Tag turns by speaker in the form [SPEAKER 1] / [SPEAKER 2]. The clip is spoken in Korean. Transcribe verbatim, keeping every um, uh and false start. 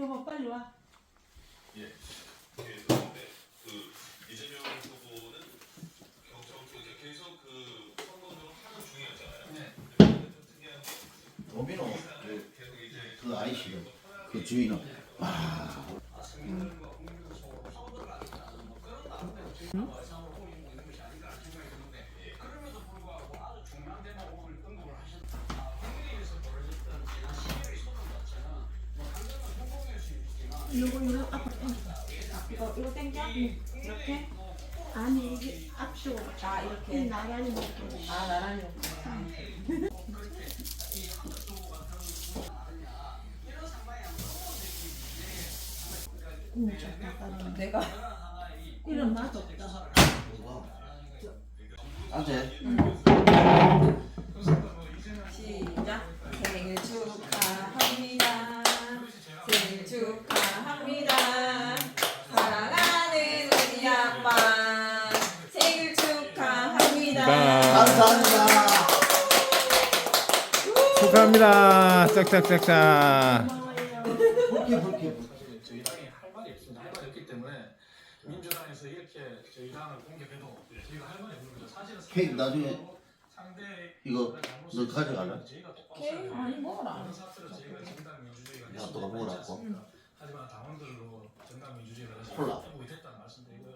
[SPEAKER 1] 여보 빨리 와.
[SPEAKER 2] 예. 그런데 그 이재명 후보는 경청 쪽에 계속 그 선거운동을 하는 중이었잖아요. 네. 근데 좀 특이한 게
[SPEAKER 3] 도미노 그,
[SPEAKER 2] 계속 이제
[SPEAKER 3] 그 아이씨는 그 주인은 아
[SPEAKER 1] 이거 이거 앞으로 당겨. 이거 이거 당겨. 이렇게. 아니 이게 앞쪽으로. 아 이렇게. 나란히 이렇게. 아 나란히 이렇게. 음, 좋다. 내가 이런 맛 없다.
[SPEAKER 3] 안돼
[SPEAKER 4] 시작. 생일 축하합니다. 생일 축하합니다. 사랑하는 우리 아빠 생일 축하합니다.
[SPEAKER 3] 감사합니다.
[SPEAKER 5] 축하합니다. 짝짝짝짝.
[SPEAKER 3] 불쾌 불쾌 불쾌.
[SPEAKER 6] 저희 당이 할 말이 없습니다. 할 말이 없기 때문에 민주당에서 이렇게 저희 당을 공격해도 저희가 할 말이 없는 거죠. 사실은
[SPEAKER 3] 케이크 나중에
[SPEAKER 6] 상대
[SPEAKER 3] 이거 너 가져갈래?
[SPEAKER 6] 저희가 똑바로
[SPEAKER 1] 케이크 아니 먹어라.
[SPEAKER 6] 그런 사태로 저희가 정당 민주주의가
[SPEAKER 3] 야, 너가 먹으라고?
[SPEAKER 6] 하지만 당원들로 정당 민주주의가 다시
[SPEAKER 3] 콜라.
[SPEAKER 6] 회복이 됐다는 말씀드리고요.